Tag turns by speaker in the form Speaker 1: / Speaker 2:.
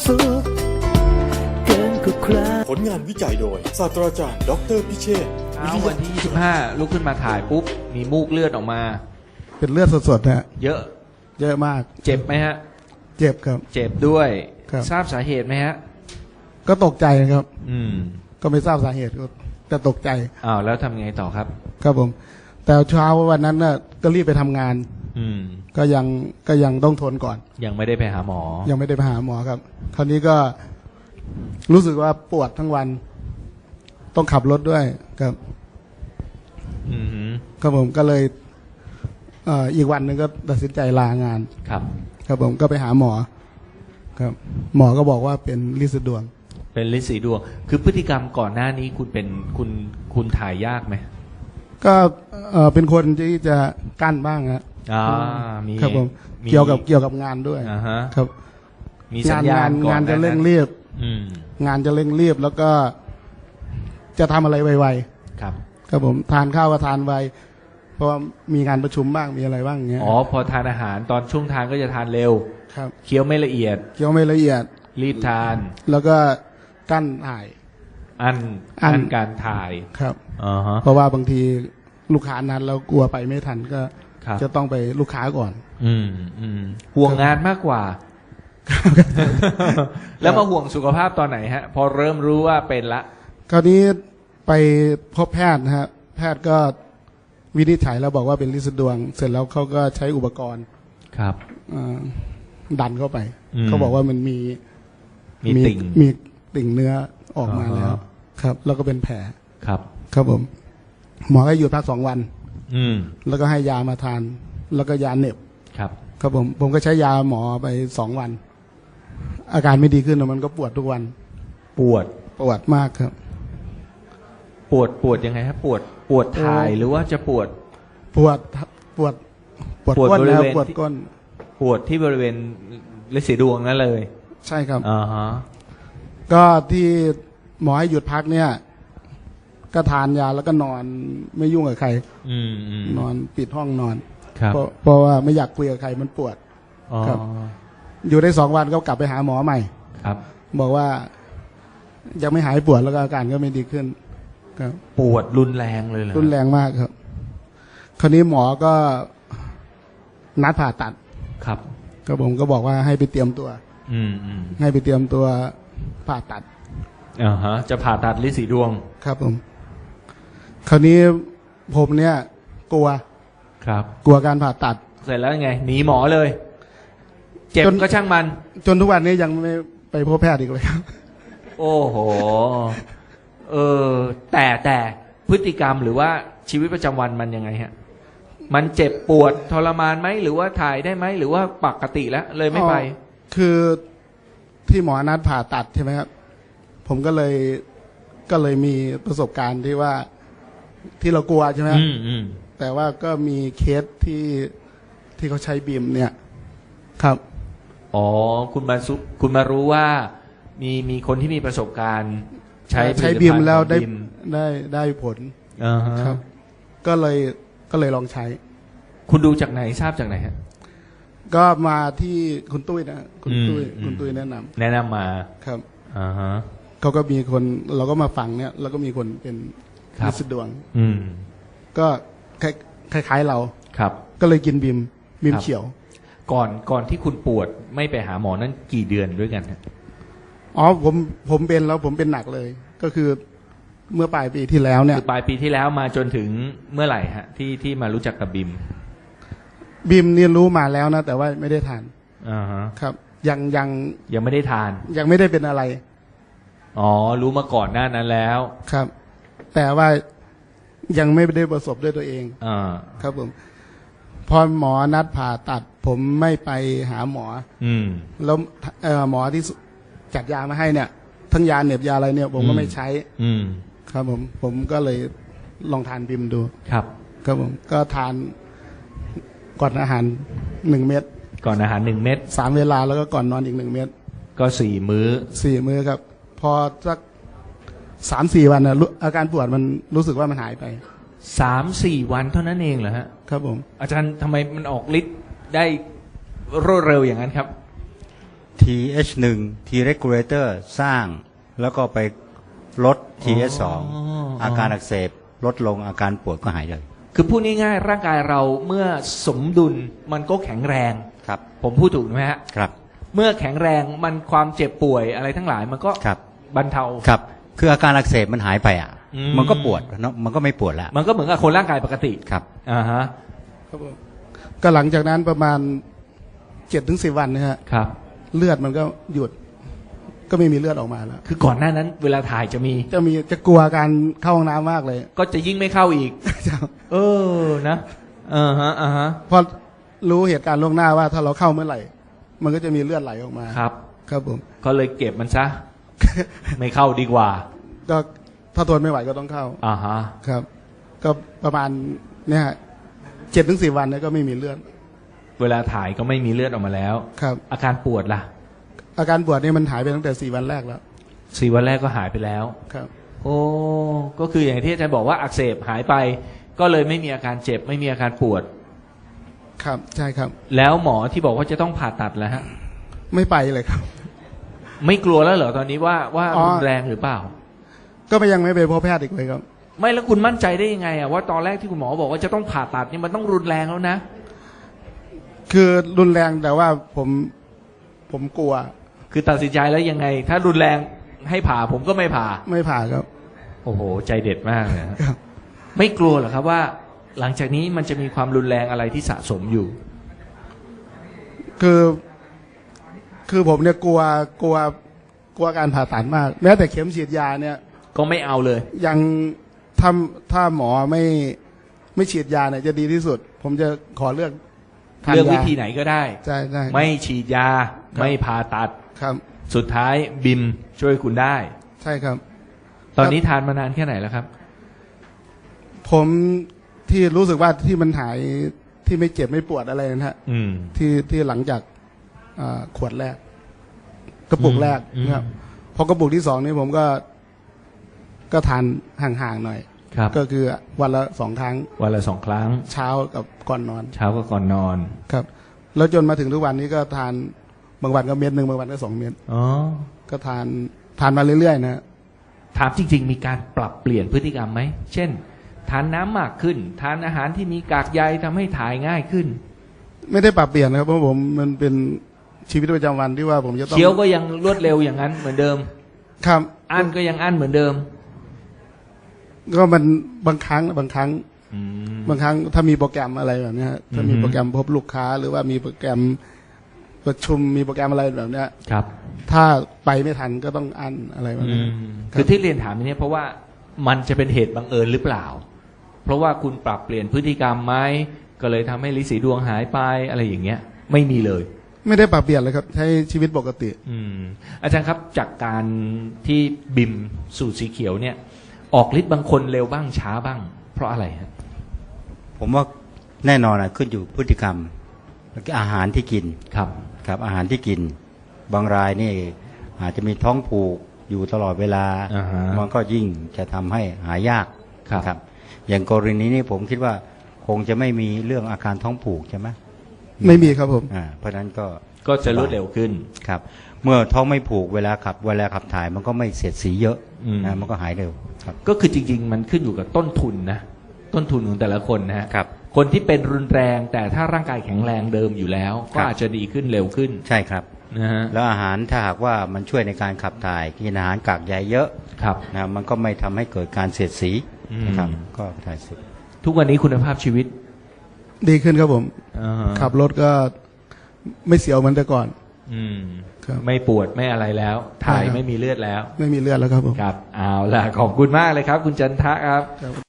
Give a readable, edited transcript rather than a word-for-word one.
Speaker 1: สุขเกินกว่าใคร
Speaker 2: ผลงานวิจัยโดยศาสตราจารย์ดออเตอร์พิเชษฐ์
Speaker 3: วันที่25ลุกขึ้นมาถ่ายปุ๊บมีมูกเลือดออกมา
Speaker 4: เป็นเลือดสดๆนะฮะ
Speaker 3: เยอะ
Speaker 4: เยอะมาก
Speaker 3: เจ็บไหมฮะ
Speaker 4: เจ็บครับ
Speaker 3: เจ็บด้วย
Speaker 4: ครับ
Speaker 3: ทราบสาเหตุไหมฮะ
Speaker 4: ก็ตกใจนะครับ
Speaker 3: อืม
Speaker 4: ก็ไม่ทราบสาเหตุก็แต่ตกใจ
Speaker 3: อ้าวแล้วทำไงต่อครับ
Speaker 4: ครับผม แต่เช้าวันนั้นน่ะก็รีบไปทำงาน
Speaker 3: อืม
Speaker 4: ก็ยังต้องทนก่อน
Speaker 3: ยังไม่ได้ไปหาหมอ
Speaker 4: ยังไม่ได้ไปหาหมอครับ คราวนี้ก็รู้สึกว่าปวดทั้งวัน ต้องขับรถด้วยครับ
Speaker 3: อืมฮึ
Speaker 4: ครับผมก็เลยอีกวันหนึ่งก็ตัดสินใจลางาน
Speaker 3: ครับ
Speaker 4: ครับผมก็ไปหาหมอ ครับ หมอก็บอกว่าเป็นลินสะดวง
Speaker 3: เป็นฤทธิ์สีดวง คือพฤติกรรมก่อนหน้านี้คุณเป็นคุณถ่ายยากไหม
Speaker 4: ก็เป็นคนที่จะกั้นบ้างครับ
Speaker 3: มี
Speaker 4: ครับผม
Speaker 3: มี
Speaker 4: เกี่ยวกับงานด้วย
Speaker 3: อ่าฮะ
Speaker 4: ครับ
Speaker 3: มีสัญญาณก่อน
Speaker 4: งานจะ
Speaker 3: ห
Speaker 4: เร่ง
Speaker 3: นั้น
Speaker 4: รีบ
Speaker 3: อืม
Speaker 4: งานจะเร่งรีบแล้วก็จะทำอะไรไว
Speaker 3: ครับ
Speaker 4: ๆครับผมทานข้าวก็ทานไวเพราะว่ามีงานประชุมบ้างมีอะไรบ้างอย่างเงี้ย
Speaker 3: อ๋อพอทานอาหารตอนช่วงทานก็จะทานเร็ว
Speaker 4: ครับ
Speaker 3: เคี้ยวไม่ละเอียด
Speaker 4: เกี่ยวไม่ละเอียด
Speaker 3: รีบทาน
Speaker 4: แล้วก็กั้นถ่าย
Speaker 3: อัน
Speaker 4: อั้น
Speaker 3: การถ่าย
Speaker 4: ครับ
Speaker 3: อ่าฮะ
Speaker 4: เพราะว่าบางทีลูกค้านั้นเรากลัวไปไม่ทันก็
Speaker 3: ครับ
Speaker 4: จะต้องไปลูกค้าก่อน
Speaker 3: ห่วงงานมากกว่า แล้วมาห่วงสุขภาพตอนไหนฮะ พอเริ่มรู้ว่าเป็นละ
Speaker 4: คราวนี้ไปพบแพทย์นะฮะแพทย์ก็วินิจฉัยแล้วบอกว่าเป็นลินสะดวง เสร็จแล้วเขาก็ใช้อุปกรณ์
Speaker 3: ครับ
Speaker 4: ดันเข้าไป
Speaker 3: อืม
Speaker 4: เขาบอกว่ามันมี
Speaker 3: ติ่ง
Speaker 4: มีติ่งเนื้อออกมา
Speaker 3: อ่าฮะ
Speaker 4: แล้ว ครับ แล้วก็เป็นแผล
Speaker 3: ครับ
Speaker 4: ครับผม หมอให้หยุดพัก2 วัน
Speaker 3: อืม
Speaker 4: แล้วก็ให้ยามาทาน แล้วก็ยาเหน็บ
Speaker 3: ครับ
Speaker 4: ครับผมก็ใช้ยาหมอไป2 วัน อาการไม่ดีขึ้นแล้วมันก็ปวดทุกวัน
Speaker 3: ปวด
Speaker 4: ปวดมากครับ
Speaker 3: ปวดยังไงฮะปวดถ่ายหรือว่าจะปวด
Speaker 4: ปวดปวด
Speaker 3: ปวด
Speaker 4: ก้น
Speaker 3: บริ
Speaker 4: แล้ว
Speaker 3: เวณ
Speaker 4: ปวด
Speaker 3: ที่
Speaker 4: ก้น
Speaker 3: ปวดที่บริเวณฤทธิ์สีดวงนั่นเลย
Speaker 4: ใช่ครับ
Speaker 3: อ่าฮะ
Speaker 4: ก็ที่หมอให้หยุดพักเนี่ย ก็ทานยาแล้วก็นอนไม่ยุ่งกับใคร
Speaker 3: อืม
Speaker 4: นอนปิดห้องนอน
Speaker 3: ครับ
Speaker 4: เพราะว่าไม่อยากคุยกับใครมันปวด
Speaker 3: อ๋อ
Speaker 4: ครับ อยู่ได้2 วันก็กลับไปหาหมอใหม่
Speaker 3: ครับ
Speaker 4: บอกว่ายังไม่หายปวดแล้วก็อาการก็ไม่ดีขึ้น ครับ
Speaker 3: ปวดรุนแรงเลยเหรอ
Speaker 4: รุนแรงมากครับ คราวนี้หมอก็นัดผ่าตัด
Speaker 3: ครับ
Speaker 4: ก็ผมก็บอกว่าให้ไปเตรียมตัว
Speaker 3: อืม
Speaker 4: ให้ไปเตรียมตัวผ่าตัด
Speaker 3: อ่าฮะ จะผ่าตัดฤทธิ์สีดวง
Speaker 4: ครับผม คราวนี้ผมเนี่ย กลัว
Speaker 3: ครับ
Speaker 4: กลัวการผ่าตัด
Speaker 3: เสร็จแล้วยังไงหนีหมอเลย เจ็บ
Speaker 4: จน
Speaker 3: ก็ช่างมัน
Speaker 4: จนทุกวันนี้ยังไม่ไปพบแพทย์อีกเลยครับ
Speaker 3: โอ้โห แต่พฤติกรรมหรือว่าชีวิตประจำวันมันยังไงฮะ มันเจ็บปวดทรมานไหมหรือว่าถ่ายได้ไหมหรือว่าปกติแล้วเลยไม่ไป
Speaker 4: คือที่หมอนัดผ่าตัดใช่ไหมครับ ผมก็เลยมีประสบการณ์ที่ว่าที่เรากลัวใช่ไหม
Speaker 3: อืม
Speaker 4: แต่ว่าก็มีเคสที่เขาใช้บีมเนี่ย ครับ
Speaker 3: อ๋อคุณมารู้ว่ามีคนที่มีประสบการณ์ใช้ผลิตภัณฑ์
Speaker 4: บีมแล้วได้
Speaker 3: ของ
Speaker 4: ได้ผล
Speaker 3: อ่าฮะ
Speaker 4: ครับ ก็เลยลองใช้
Speaker 3: คุณดูจากไหนทราบจากไหนฮะ
Speaker 4: ก็มาที่คุณตุ้ยนะคุณตุ้ย
Speaker 3: อืม
Speaker 4: คุณตุ้ยแนะนำ
Speaker 3: แนะนำมา
Speaker 4: ครับ
Speaker 3: อ่าฮะ
Speaker 4: เขาก็มีคนเราก็มาฟังเนี่ย แล้วก็มีคนเป็น
Speaker 3: ครับ
Speaker 4: ลินสะดวง
Speaker 3: อืม
Speaker 4: ก็คล้ายๆเรา
Speaker 3: ครับ
Speaker 4: ก็เลยกินบีม
Speaker 3: ครับ
Speaker 4: เขียว
Speaker 3: ก่อนที่คุณปวดไม่ไปหาหมอนั่นกี่เดือนด้วยกันฮะ
Speaker 4: อ๋อผมเป็นแล้วผมเป็นหนักเลย ก็คือเมื่อปลายปีที่แล้วเนี่ย
Speaker 3: คือปลายปีที่แล้วมาจนถึงเมื่อไหร่ฮะที่มารู้จักกับบิม
Speaker 4: บีมเรียนรู้มาแล้วนะแต่ว่าไม่ได้ทาน
Speaker 3: อ่าฮะ
Speaker 4: ครับ ยัง
Speaker 3: ไม่ได้ทาน
Speaker 4: ยังไม่ได้เป็นอะไร
Speaker 3: อ๋อรู้มาก่อนหน้านั้นแล้ว
Speaker 4: ครับ แต่ว่ายังไม่ได้ประสบด้วยตัวเอง
Speaker 3: อ่า
Speaker 4: ครับผมพอหมอนัดผ่าตัด ผมไม่ไปหาหมอ
Speaker 3: อืม
Speaker 4: แล้วหมอที่จัดยามาให้เนี่ย ทั้งยาเหน็บยาอะไรเนี่ย ผมก็ไม่ใช้
Speaker 3: อืม
Speaker 4: ครับผมก็เลยลองทานบิมดู
Speaker 3: ครับ
Speaker 4: ครับผมก็ทานก่อนอาหาร1 เม็ด
Speaker 3: ก่อนอาหาร1 เม็ด
Speaker 4: 3 เวลาแล้วก็ก่อนนอนอีก1 เม็ด
Speaker 3: ก็4 มื้อ
Speaker 4: 4 มื้อครับ พอสัก3-4 วันนะอาการปวดมันรู้สึกว่ามันหายไป
Speaker 3: 3-4 วันเท่านั้นเองเหรอฮะ
Speaker 4: ครับผม
Speaker 3: อาจารย์ทำไมมันออกฤทธิ์ได้รวดเร็วอย่างนั้นครับ
Speaker 5: TH1 T regulator สร้างแล้วก็ไปลด TH2 อาการอักเสบลดลงอาการปวดก็หายเลย
Speaker 3: คือพูดง่ายๆร่างกายเราเมื่อสมดุลมันก็แข็งแรง
Speaker 5: ครับ
Speaker 3: ผมพูดถูกไหมฮะ
Speaker 5: ครับ
Speaker 3: เมื่อแข็งแรงมันความเจ็บป่วยอะไรทั้งหลายมันก็
Speaker 5: ครับ
Speaker 3: บรรเทา
Speaker 5: ครับคืออาการอักเสบมันหายไปอ่ะ
Speaker 3: อืม
Speaker 5: มันก็ปวดเนาะมันก็ไม่ปวดแล้ว
Speaker 3: มันก็เหมือนกับคนร่างกายปกติ
Speaker 5: ครับ
Speaker 3: อ่าฮะ
Speaker 4: ครับผมก็หลังจากนั้นประมาณ7-10 วันนะฮะ
Speaker 3: ครับ
Speaker 4: เลือดมันก็หยุด ก็ไม่มีเลือดออกมาแล้ว
Speaker 3: คือก่อนหน้านั้นเวลาถ่ายจะมี
Speaker 4: จะกลัวการเข้าห้องน้ำมากเลย
Speaker 3: ก็จะยิ่งไม่เข้าอีก เออนะอ่าฮะอ่าฮะ
Speaker 4: เพราะรู้เหตุการณ์ล่วงหน้าว่าถ้าเราเข้าเมื่อไหร่ มันก็จะมีเลือดไหลออกมา
Speaker 3: ครับ
Speaker 4: ครับผม
Speaker 3: ก็เลยเก็บมันซะ ไม่เข้าดีกว่า
Speaker 4: ก็ถ้าทนไม่ไหวก็ต้องเข้า
Speaker 3: อ่าฮะ
Speaker 4: ครับ ก็ประมาณเนี่ย7-10 วันเนี่ยก็ไม่มีเลือด
Speaker 3: เวลาถ่ายก็ไม่มีเลือดออกมาแล้ว
Speaker 4: ครับ
Speaker 3: อาการปวดล่ะ
Speaker 4: อาการปวดนี่มันหายไปตั้งแต่4 วันแรกแล้ว
Speaker 3: 4 วันแรกก็หายไปแล้ว
Speaker 4: ครับ
Speaker 3: โอ้ก็คืออย่างที่อาจารย์บอกว่าอักเสบหายไป ก็เลยไม่มีอาการเจ็บไม่มีอาการปวด
Speaker 4: ครับใช่ครับ
Speaker 3: แล้วหมอที่บอกว่าจะต้องผ่าตัดแล้วฮะ
Speaker 4: ไม่ไปเลยครับ
Speaker 3: ไม่กลัวแล้วเหรอตอนนี้ว่า
Speaker 4: อ๋อ
Speaker 3: รุนแรงหรือเปล่า
Speaker 4: ก็ยังไม่ไปพบแพทย์อีกเลยครับ
Speaker 3: ไม่แล้วคุณมั่นใจได้ยังไงอะว่าตอนแรกที่คุณหมอบอกว่าจะต้องผ่าตัดนี่มันต้องรุนแรงแล้วนะ
Speaker 4: คือรุนแรงแต่ว่าผมกลัว
Speaker 3: คือตัดสินใจแล้วยังไง ถ้ารุนแรงให้ผ่าผมก็ไม่ผ่า
Speaker 4: ไม่ผ่าครับ
Speaker 3: โอ้โห ใจเด็ดมากเลยนะครับ ไม่กลัวเหรอครับว่า หลังจากนี้มันจะมีความรุนแรงอะไรที่สะสมอยู่
Speaker 4: คือผมเนี่ยกลัวการผ่าตัดมาก แม้แต่เข็มฉีดยาเนี่ย
Speaker 3: ก็ไม่เอาเลย
Speaker 4: ยังถ้าหมอไม่ฉีดยาเนี่ยจะดีที่สุด ผมจะขอเลือกทาน
Speaker 3: เลือก
Speaker 4: ยา
Speaker 3: วิธีไหนก็ได้
Speaker 4: ใช่ใช่
Speaker 3: ไม่ฉีดยา
Speaker 4: ครับ
Speaker 3: ไม่ผ่าตัด
Speaker 4: ครับ
Speaker 3: สุดท้ายบิมช่วยคุณได้
Speaker 4: ใช่ครับ
Speaker 3: ตอนนี้ทานมานานแค่ไหนแล้วครับ
Speaker 4: ผมที่รู้สึกว่าที่มันหายที่ไม่เจ็บไม่ปวดอะไรนะฮะ
Speaker 3: อืม
Speaker 4: ที่หลังจากขวดแรก กระปุกแรก
Speaker 3: อืม
Speaker 4: นะครับพอกระปุกที่2นี่ผมก็ทานห่างๆหน่อย
Speaker 3: ครับ
Speaker 4: ก็คือวันละ2 ครั้ง
Speaker 3: วันละ2 ครั้ง
Speaker 4: เช้ากับก่อนนอน
Speaker 3: เช้าก็ก่อนนอน
Speaker 4: ครับ แล้วจนมาถึงทุกวันนี้ก็ทานบางวันก็เม็ดหนึ่งบางวันก็2 เม็ด
Speaker 3: อ๋อ
Speaker 4: ก็ทานมาเรื่อยๆนะ
Speaker 3: ถามจริง ๆ มีการปรับเปลี่ยนพฤติกรรมไหม เช่น ทานน้ำมากขึ้น ทานอาหารที่มีกากใยทำให้ถ่ายง่ายขึ้น
Speaker 4: ไม่ได้ปรับเปลี่ยนนะครับเพราะผมมันเป็นชีวิตประจำวันที่ว่าผมจะต้อง
Speaker 3: เคี้ยวก็ยังรวดเร็วอย่างนั้นเหมือนเดิม
Speaker 4: ครับ
Speaker 3: อั้นก็ยังอั้นเหมือนเดิม
Speaker 4: ก็มันบางครั้ง
Speaker 3: อืม
Speaker 4: บางครั้งถ้ามีโปรแกรมอะไรแบบเนี้ยถ้ามี
Speaker 3: อือฮึ
Speaker 4: โปรแกรมพบลูกค้า หรือว่ามีโปรแกรมประชุมมีโปรแกรมอะไรแบบเนี้ย
Speaker 3: ครับ
Speaker 4: ถ้าไปไม่ทันก็ต้องอั้นอะไรแบบ
Speaker 3: อื
Speaker 4: นี้
Speaker 3: มคือที่เรียนถามนี้เพราะว่ามันจะเป็นเหตุบังเอิญหรือเปล่า เพราะว่าคุณปรับเปลี่ยนพฤติกรรมไหมก็เลยทำให้ลิสีดวงหายไปอะไรอย่างเงี้ย ไม่มีเลย
Speaker 4: ไม่ได้ปรับเปลี่ยนเลยครับใช้ชีวิตปกติ
Speaker 3: อืมอาจารย์ครับจากการที่บิมสูตรสีเขียวเนี่ย ออกฤทธิ์บางคนเร็วบ้างช้าบ้าง เพราะอะไรฮะ
Speaker 5: ผมว่าแน่นอนอะขึ้นอยู่พฤติกรรมแล้วก็อาหารที่กิน
Speaker 3: ครับ
Speaker 5: ครับอาหารที่กิน บางรายนี่อาจจะมีท้องผูกอยู่ตลอดเวลา
Speaker 3: อ่าฮะ
Speaker 5: มันก็ยิ่งจะทำให้หายาก
Speaker 3: ครับ
Speaker 5: อย่างกรณีนี้ผมคิดว่าคงจะไม่มีเรื่องอาการท้องผูกใช่ไหม
Speaker 4: ไม่มีครับผม
Speaker 5: เพราะฉะนั้นก็
Speaker 3: ก็จะรวดเร็วขึ้น
Speaker 5: ครับ เมื่อท้องไม่ผูกเวลาขับถ่ายมันก็ไม่เสียดสีเยอะ
Speaker 3: อืม
Speaker 5: มันก็หายเร็วครับ
Speaker 3: ก็คือจริง ๆ มันขึ้นอยู่กับต้นทุนนะต้นทุนของแต่ละคนนะฮะ
Speaker 5: ครับ
Speaker 3: คนที่เป็นรุนแรงแต่ถ้าร่างกายแข็งแรงเดิมอยู่แล้ว
Speaker 5: ครั
Speaker 3: ก็
Speaker 5: บ
Speaker 3: อาจจะดีขึ้นเร็วขึ้น
Speaker 5: ใช่ครับ
Speaker 3: นะฮะ
Speaker 5: แล้วอาหารถ้าหากว่ามันช่วยในการขับถ่ายกินอาหารกากใยเยอะ
Speaker 3: ครับ
Speaker 5: นะมันก็ไม่ทำให้เกิดการเสียดสี
Speaker 3: อืม
Speaker 5: นะครับก็ถ่ายสุด
Speaker 3: ทุกวันนี้คุณภาพชีวิต
Speaker 4: ดีขึ้นครับผม
Speaker 3: อ่าฮะ
Speaker 4: ขับรถก็ไม่เสียวเหมือนแต่ก่อน
Speaker 3: อืม
Speaker 4: ครับ
Speaker 3: ไม่ปวดไม่อะไรแล้ว ถ่าย
Speaker 4: ใช่ครับ
Speaker 3: ไม่มีเลือดแล้ว
Speaker 4: ไม่มีเลือดแล้วครับผม
Speaker 3: ครับเอาล่ะขอบคุณมากเลยครับ คุณจันทะครับ